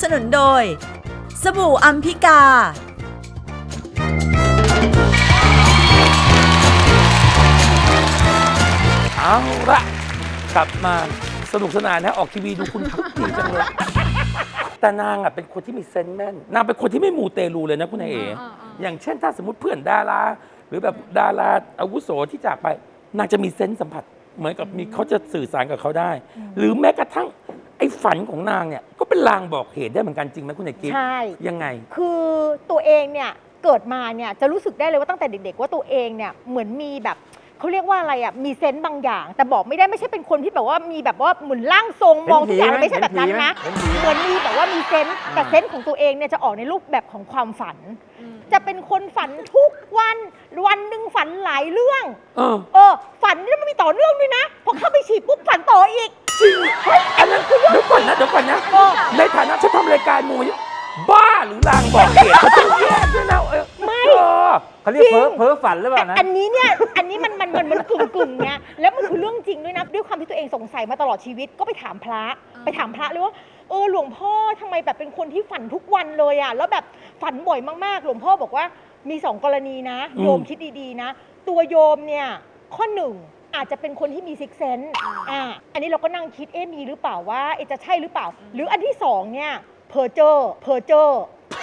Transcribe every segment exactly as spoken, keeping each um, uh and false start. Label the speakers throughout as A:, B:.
A: สนุนโดยสบู่อัมพิกา
B: เอาละกลับมาสนุกสนานนะออกทีวีดูคุณพักดีจังเลยแต่นางอ่ะเป็นคนที่มีเซนส์แม่นนางเป็นคนที่ไม่มูเตลูเลยนะคุณนายเอ๋อย่างเช่นถ้าสมมติเพื่อนดาราหรือแบบดาราอาวุโสที่จากไปนางจะมีเซนส์สัมผัสเหมือนกับมีเขาจะสื่อสารกับเขาได้หรือแม้กระทั่งไอ้ฝันของนางเนี่ยก็เป็นลางบอกเหตุได้เหมือนกันจริงไหมคุณนายกิ๊ฟ
C: ใช่
B: ยังไง
C: คือตัวเองเนี่ยเกิดมาเนี่ยจะรู้สึกได้เลยว่าตั้งแต่เด็กๆว่าตัวเองเนี่ยเหมือนมีแบบเขาเรียกว่าอะไรอ่ะมีเซนต์บางอย่างแต่บอกไม่ได้ไม่ใช่เป็นคนที่แบบว่ามีแบบว่าเหมือนร่างทรงมองทุกอย่างไม่ใช่แบบนั้นนะเหมือนมีแบบว่ามีเซนต์แต่เซนต์ของตัวเองเนี่ยจะออกในรูปแบบของความฝันจะเป็นคนฝันทุกวันวันหนึ่งฝันหลายเรื่อง
B: เออ
C: เออฝันแล้วมันมีต่อเนื่องด้วยนะพอเข้าไปฉีดปุ๊บฝันต่ออีก
B: จริงอันนั้นคือเดี๋ยวก่อนนะเดี๋ยวก่อนนะในฐานะฉันทำรายการมูยบ้าหรือลางบอกเหตุเขาต้องแยกด้วยนะเออ
C: ไม่
D: เขาเรียกเพ้อเพ้อฝันหรือเปล่านะ
C: อันนี้เนี่ยอันนี้มันมันมันมันกึ่งกึ่งเนี้ยแล้วมันคือเรื่องจริงด้วยนะด้วยความที่ตัวเองสงสัยมาตลอดชีวิตก็ไปถามพระไปถามพระเลยว่าเออหลวงพ่อทำไมแบบเป็นคนที่ฝันทุกวันเลยอ่ะแล้วแบบฝันบ่อยมากๆหลวงพ่อบอกว่ามีสองกรณีนะโยมคิดดีๆนะตัวโยมเนี่ยข้อหนึ่งอาจจะเป็นคนที่มีซิกเซนส์อ่าอันนี้เราก็นั่งคิดเอ๊ะมีหรือเปล่าว่าเอ๊ะจะใช่หรือเปล่า หรืออันที่สองเนี่ยเพอเจอร์เพอเจอร์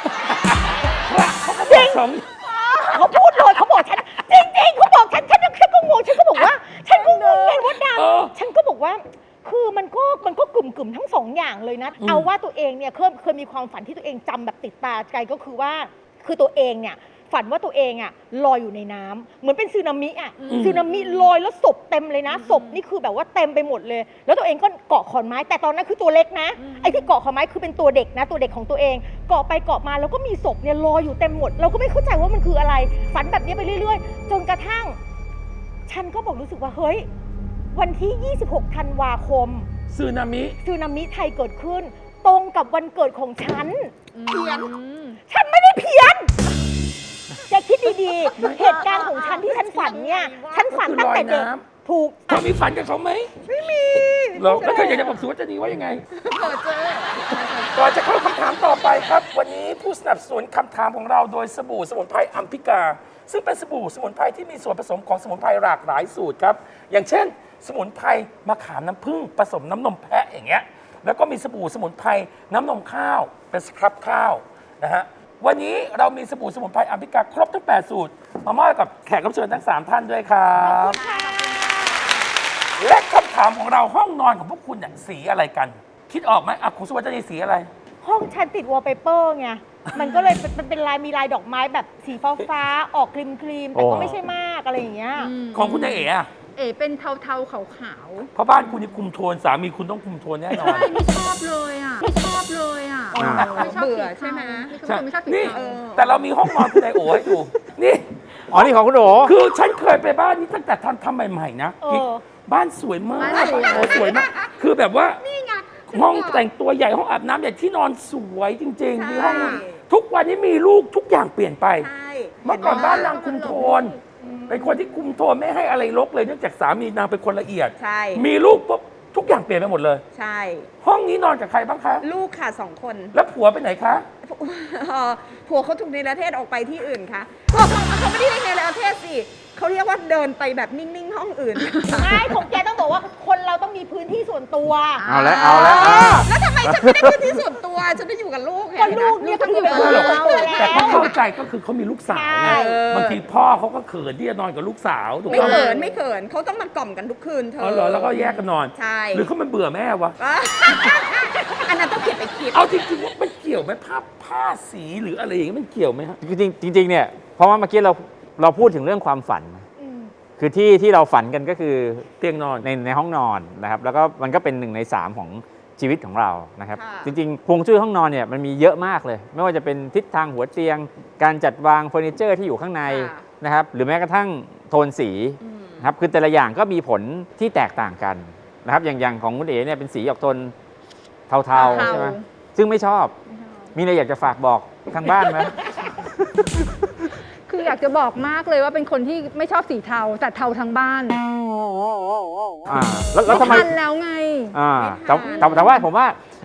C: จริงเขาพูดเลยเขาบอกฉันจริงๆเขาบอกฉันฉันฉันก็งงฉันก็บอกว่าฉันก็งงไงว่าดำฉันก็บอกว่าคือมันก็มันก็กลุ่มกลุ่มทั้งสองอย่างเลยนะเอาว่าตัวเองเนี่ยเคยเคยมีความฝันที่ตัวเองจำแบบติดตาใจก็คือว่าคือตัวเองเนี่ยฝันว่าตัวเองอะลอยอยู่ในน้ำเหมือนเป็นสึนามิอะสึนามิลอยแล้วศพเต็มเลยนะศพนี่คือแบบว่าเต็มไปหมดเลยแล้วตัวเองก็เกาะขอนไม้แต่ตอนนั้นคือตัวเล็กนะไอ้ที่เกาะขอนไม้คือเป็นตัวเด็กนะตัวเด็กของตัวเองเกาะไปเกาะมาแล้วก็มีศพเนี่ยลอยอยู่เต็มหมดเราก็ไม่เข้าใจว่ามันคืออะไรฝันแบบนี้ไปเรื่อยๆจนกระทั่งฉันก็บอกรู้สึกว่าเฮ้ยวันที่ยี่สิบหกธันวาคม
B: สึนามิ
C: สึนามิไทยเกิดขึ้นตรงกับวันเกิดของฉัน
E: เพี้ยน
C: ฉันไม่ได้เพี้ยนจะคิดดีๆ เหตุการณ์ของฉันที่ฉันฝันเนี่ยฉันฝันตั้งแต่เด็กถูก
B: เธอมีฝันกับเขาไหมไม่มีหรอแล้วเธออยากจะบอกสุวัจนีว่ายังไง
E: เปิดเจอ
B: ก่อนจะเข้าคำถามต่อไปครับวันนี้ผู้สนับสนุนคำถามของเราโดยสบู่สมุนไพรอัมพิกาซึ่งเป็นสบู่สมุนไพรที่มีส่วนผสมของสมุนไพรหลากหลายสูตรครับอย่างเช่นสมุนไพรมะขามน้ำผึ้งผสมน้ำนมแพะอย่างเงี้ยแล้วก็มีสบู่สมุนไพรน้ำนมข้าวเป็นสครับข้าวนะฮะวันนี้เรามีสบู่สมุนไพรอัมพิกาครบทั้งแปดสูตรมามอบกับแขกรับเชิญทั้งสามท่านด้วยครับและคำถามของเราห้องนอนของพวกคุณเนี่ยสีอะไรกันคิดออกไหมอ่ะคุณสุวัจนีสีอะไร
C: ห้องฉันติดวอลเปเปอร์ไงมันก็เลยมันเป็นลายมีลายดอกไม้แบบสีฟ้าฟ้าออกครีมครีมแต่ก็ไม่ใช่มากอะไรอย่างเงี้ย
B: ของคุณนายเอ๋อะ
E: เอ๋เป็นเทาเทาขาวขาว
B: เพราะบ้านคุณนี่คุมโทนสามีคุณต้องคุมโทนแน่นอน
E: ใช่ไม่ชอบเลยอ่ะไม่ชอบเลยอ่ะไม่ชอบเบื่อใช่ไหมไม่ชอบสี
B: นี่
E: เทา
B: แต่เรามีห้องนอนคุณนายโอ๋ให้ดูนี่
D: อ๋อนี่ของคุณโอ๋
B: คือฉันเคยไปบ้านนี้ตั้งแต่ทำทำใหม่ๆนะบ้านสวยมากโอ้สวยมากคือแบบว่าห้องแต่งตัวใหญ่ห้องอาบน้ำใหญ่ที่นอนสวยจริงๆมีห้องทุกวันนี้มีลูกทุกอย่างเปลี่ยนไปเมื่อก่อนบ้านนางคุมโทนเป็นคนที่คุมโทนไม่ให้อะไรรกเลยเนื่องจากสามีนางเป็นคนละเอียดมีลูกปุ๊บทุกอย่างเปลี่ยนไปหมดเลย
F: ใช่
B: ห้องนี้นอนกับใครบ้างคะ
F: ลูกค่ะสองคน
B: แล้วผัวไปไหนคะ
F: ผัวเขาถูกในประเทศออกไปที่อื่นค่ะเขาเขาไม่ได้ในประเทศสิเขาเรียกว่าเดินไปแบบนิ่งๆห้องอื่น
C: ไม่ของแกต้องบอกว่าคนเราต้องมีพื้นที่ส่วนตัว
D: เอาแล้วเอาแล้ว
F: แล้วทำไมฉันไม่ได้พื้นที่ส่วนตัวฉันได้อยู่กับลูกไง
C: ก็ลูกเนี่ยก็คือเป็นของเรา
B: แต่เขาเข้าใจก็คือเขามีลูกสาวไงบางทีพ่อเขาก็เขินที่จะนอนกับลูกสาวถูกไหม
F: ไม่เขินไม่เขินเขาต้องมากล่อมกันทุกคืนเธอ
B: อ๋อเหรอแล้วก็แยกกันนอน
F: ใช่
B: หรือเขามันเบื่อแม่วะ
F: อันนั้นต้องเก็บไปคิด
B: เอาจริงๆว่ามันเกี่ยวไหมผ้าผ้าสีหรืออะไรอย่างเงี้ยมันเกี่ยวไหมฮะ
D: จริงจริงๆเนี่ยเพราะว่าเมื่อกี้เราเราพูดถึงเรื่องความฝันคือที่ที่เราฝันกันก็คือ
B: เตียงนอน
D: ในในห้องนอนนะครับแล้วก็มันก็เป็นหนึ่งในสามของชีวิตของเรานะครับจริงๆฮวงจุ้ยห้องนอนเนี่ยมันมีเยอะมากเลยไม่ว่าจะเป็นทิศทางหัวเตียงการจัดวางเฟอร์นิเจอร์ที่อยู่ข้างในนะครับหรือแม้กระทั่งโทนสีนะครับคือแต่ละอย่างก็มีผลที่แตกต่างกันนะครับอย่างอย่างของคุณเอ๋เนี่ยเป็นสีออกโทนเทาๆใช่ไหมซึ่งไม่ชอบมีอะไรอยากจะฝากบอกทางบ้านไหม
E: คืออยากจะบอกมากเลยว่าเป็นคนที่ไม่ชอบสีเทาแต่เทาทั้งบ้าน
D: อ่าแล้วทำไม
E: ทันแล้วไง
D: อ่าแต่แต่ว่าผมว่า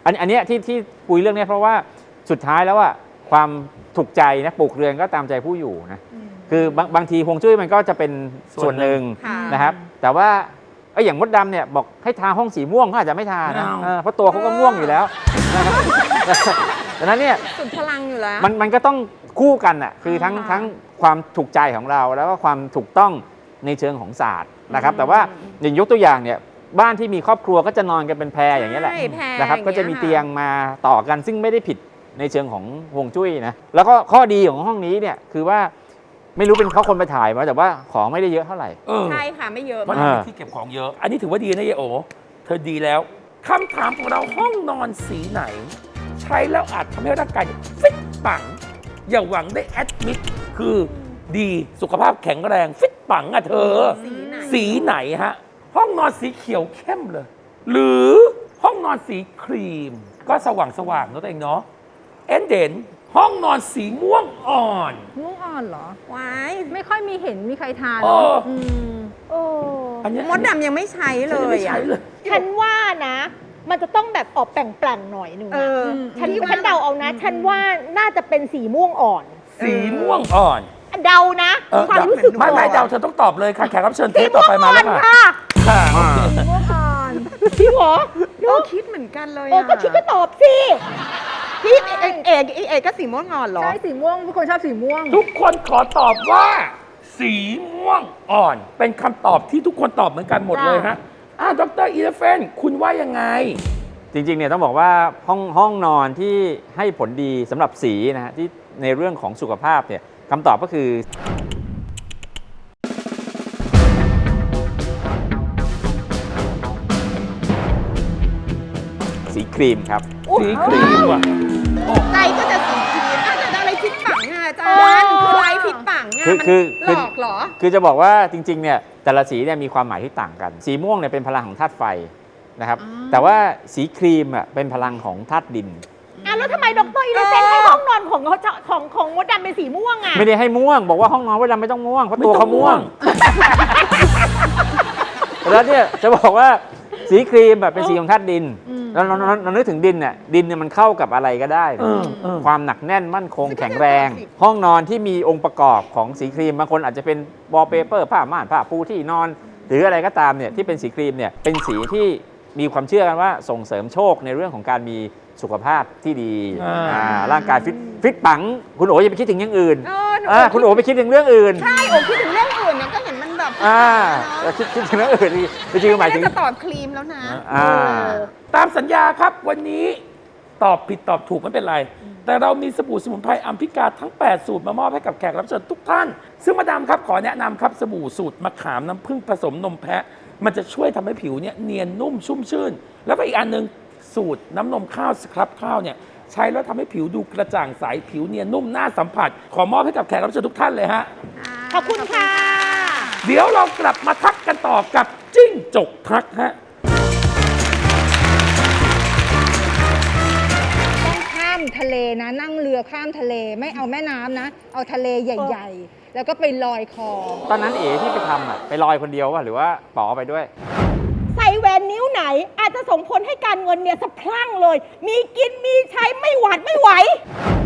D: อันอันเนี้ยที่ที่คุยเรื่องเนี้ยเพราะว่าสุดท้ายแล้วอะความถูกใจนะปลูกเรือนก็ตามใจผู้อยู่นะคือบางบางทีฮวงจุ้ยมันก็จะเป็นส่วนหนึ่ง
F: ค่ะ
D: นะครับแต่ว่าไอ้อย่างมดดำเนี่ยบอกให้ทาห้องสีม่วงเขาอาจจะไม่ทานะ
B: ไม่เอา
D: เออเพราะตัวเขาก็ม่วงอยู่แล้วนะครับดังนั้นเนี่ย
F: สุดพลังอยู่แล้ว
D: มันมันก็ต้องคู่กันอ่ะคือทั้ง
F: ค่ะ
D: ทั้งความถูกใจของเราแล้วก็ความถูกต้องในเชิงของศาสตร์นะครับแต่ว่าอย่างยกตัวอย่างเนี่ยบ้านที่มีครอบครัวก็จะนอนกันเป็นแพรอย่างนี้ยแหละ
F: ใช่แพร
D: นะครับ
F: อย่างเงี้ย
D: ก็จะมี
F: ค่ะ
D: เตียงมาต่อกันซึ่งไม่ได้ผิดในเชิงของฮวงจุ้ยนะแล้วก็ข้อดีของห้องนี้เนี่ยคือว่าไม่รู้เป็นเขาคนไปถ่ายมาแต่ว่าของไม่ได้เยอะเท่าไหร่
B: เออ
F: ใช่ค่ะไม่เยอะ
B: เพราะ
F: มาก
B: นางมีที่เก็บของเยอะ อันนี้ถือว่าดีนะยายโอ เธอดีแล้ว คำถามของเราห้องนอนสีไหน ใช้แล้วอาจทำให้ร่างกายฟิตปัง อย่าหวังได้แอดมิดคือดีสุขภาพแข็งแรง ฟิตปังอะเธอ
F: สีไหน
B: สีไหนฮะ ห้องนอนสีเขียวเข้มเลย หรือห้องนอนสีครีม ก็สว่างสว่างๆเนอะตัวเองเนาะเอ็นเด่นห้องนอนสีม่วงอ่อน
E: ม่วงอ่อนเหรอ
F: ว้าย
E: ไม่ค่อยมีเห็นมีใครทาน
B: เออ
E: อืม
C: โอ้
B: อันเนี้ย
F: มดดำยังไม่ใช้เล
B: ฉันง
F: ย
B: ไม่ใช้
F: อะ
B: เลย
C: ฉันว่านะ มันจะต้องแบบออกแปลงๆหน่อยหนึ่ง
F: เอ
C: นะ
F: อ
C: ฉัน
F: พี่ว่
C: ฉันเดาเอานะ ฉันว่าน่าจะเป็นสีม่วงอ่อน
B: สีม่วงอ่อน
C: เดานะ
B: เออ
C: ความรู้สึก
B: ไม่ไม่
C: ก่อน
B: เดาเธอต้องตอบเลยค่ะแขกรับเชิญเท
C: สี
B: ปต่
C: ม่
B: อ
C: วง
B: ไป
C: อ่
B: มา
C: อ
B: แล้ว
C: น
B: ค่ะ
C: ค่ะ
B: ค่ะ
F: ม่วงอ่อน
C: จริงเหรอ
F: เออคิดเหมือนกันเลย
C: เออ
F: อะ
C: ก็คิดก็ตอบสิ
F: พี่เอกเอกเอกเอกก็สีม่วงอ่อนเหรอ
E: ใช่สีม่วงทุกคนชอบสีม่วง
B: ทุกคนขอตอบว่า สีม่วงอ่อน เป็นคำตอบที่ทุกคนตอบเหมือนกันหมดเลยฮะอ่าดรอีเลฟเฟนคุณว่ายังไง
D: จริงๆเนี่ยต้องบอกว่าห้องห้องนอนที่ให้ผลดีสำหรับสีนะฮะที่ในเรื่องของสุขภาพเนี่ยคำตอบก็คือสีครีมครับ
B: สีครีมว่ะ
F: ใจก็จะสีครีมอาจจะอะไรพิษปังอะอาจารย์คือไรพิษปังอะ
D: คือ
F: มัน
D: คือ
F: ห
D: คื
F: ล
D: อ
F: อกเหรอ
D: คือจะบอกว่าจริงๆเนี่ยแต่ละสีเนี่ยมีความหมายที่ต่างกัน สีม่วงเนี่ยเป็นพลังของธาตุไฟนะครับแต่ว่าสีครีมอ่ะเป็นพลังของธาตุดิน
C: อ่ะแล้วทำไมดรอีเลฟเฟนให้ห้องนอนของเขาของของมดดำเป็นสีม่วงอ่ะ
D: ไม่ได้ให้ม่วง บอกว่าห้องนอนไว้ดำไม่ต้องม่วงเพราะตัวเขาม่วง แล้วเนี่ยจะบอกว่าสีครีมแบบเป็นสีของธาตุดินแล้วเราเราเรานึกถึงดินเนี่ยดินเนี่ยมันเข้ากับอะไรก็ได้
B: เออเออ
D: ความหนักแน่นมั่นคงแข็งแรง ห้องนอนที่มีองค์ประกอบของสีครีมบางคนอาจจะเป็นวอลเปเปอร์ผ้าม่านผ้าปูที่นอน หรืออะไรก็ตามเนี่ยที่เป็นสีครีมเนี่ยเป็นสีที่มีความเชื่อกันว่าส่งเสริมโชคในเรื่องของการมีสุขภาพที่ดี
B: อ่า
D: อ่าร่างกายฟิตฟิตปังคุณโอ๋อย่าไปคิดถึงอย่างอื่น
F: เออหนู
D: อ่าคุณโอ๋ไปคิดถึงเรื่องอื่น
F: ใช่โอ้คิดถึงเรื่องอื่นเนี่ยก็เห็นมันแบบ
D: อ่า
F: เนอะ
D: คิดคิดถึงเรื่องอื่นจริงๆหมายถึง
F: น่าจะตอบครีมแล้วนะ
D: อ่า
B: ตามสัญญาครับวันนี้ตอบผิดตอบถูกไม่เป็นไร แต่เรามีสบู่สมุนไพรอัมพิกาทั้ง แปด สูตรมามอบให้กับแขกรับเชิญทุกท่าน ซึ่งมาดามครับขอแนะนำครับสบู่สูตรมะขามน้ำผึ้งผสมนมแพะ มันจะช่วยทำให้ผิวเนี่ยเนียนนุ่มชุ่มชื่น แล้วก็อีกอันหนึงสูตรน้ำนมข้าวสครับข้าวเนี่ยใช้แล้วทำให้ผิวดูกระจ่างใสผิวเนียนนุ่มน่าสัมผัส ขอมอบให้กับแขกรับเชิญทุกท่านเลยฮะ
C: ขอบคุณค่ะ
B: เดี๋ยวเรากลับมาทักกันต่อกับจิ้งจกทักฮะ
E: ต้องข้ามทะเลนะ นั่งเรือข้ามทะเลไม่เอาแม่น้ำนะ เอาทะเลใหญ่ ๆ แล้วก็ไปลอยคอ
D: ตอนนั้นเอ๋ที่ไปทำอ่ะไปลอยคนเดียววะหรือว่าป๋อไปด้วย
C: ใส่แหวนนิ้วไหน อาจจะส่งผลให้การเงินเนี่ยสะพรั่งเลย มีกินมีใช้ไม่หวาดไม่ไหว